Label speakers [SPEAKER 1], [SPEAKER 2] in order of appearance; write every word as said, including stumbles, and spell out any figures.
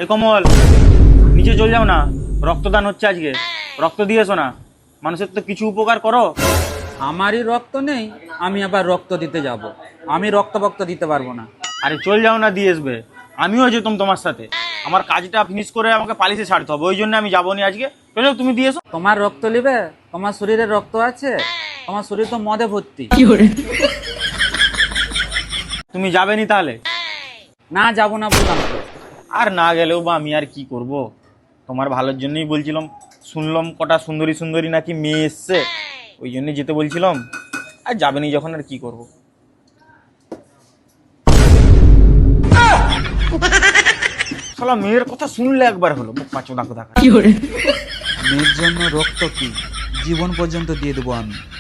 [SPEAKER 1] এ কমল, নিচে চলে যাও না, রক্তদান হচ্ছে আজকে, রক্ত দিয়ে এসো না, মানুষের তো কিছু উপকার করো।
[SPEAKER 2] আমারই রক্ত নেই, আমি আবার রক্ত দিতে যাব? আমি রক্ত বক্ত দিতে পারবো না।
[SPEAKER 1] আরে চল যাও না, দিয়ে আসবে। আমিও যেতাম তোমার সাথে, আমার কাজটা ফিনিশ করে আমাকে পালিশে ছাড়তে হবে, ওই জন্য আমি যাবো নি আজকে। চলো তুমি দিয়ে এসো।
[SPEAKER 2] তোমার রক্ত নিবে? তোমার শরীরে রক্ত আছে? তোমার শরীর তো মদে ভর্তি।
[SPEAKER 1] তুমি যাবে নি তাহলে?
[SPEAKER 2] না, যাবো না বললাম তো।
[SPEAKER 1] আর না গেলেও বা আমি আর কি করব, তোমার ভালোর জন্যই বলছিলাম। শুনলাম কটা সুন্দরী সুন্দরী নাকি মেয়ে এসছে, ওই জন্যই যেতে বলছিলাম। আর যাবে নি যখন আর কি করব। শালা মেয়ের কথা শুনলে একবার হলো মুখ পাঁচো দাঁকো দেখা।
[SPEAKER 2] মেয়ের জন্য রক্ত কি জীবন পর্যন্ত দিয়ে দেবো আমি।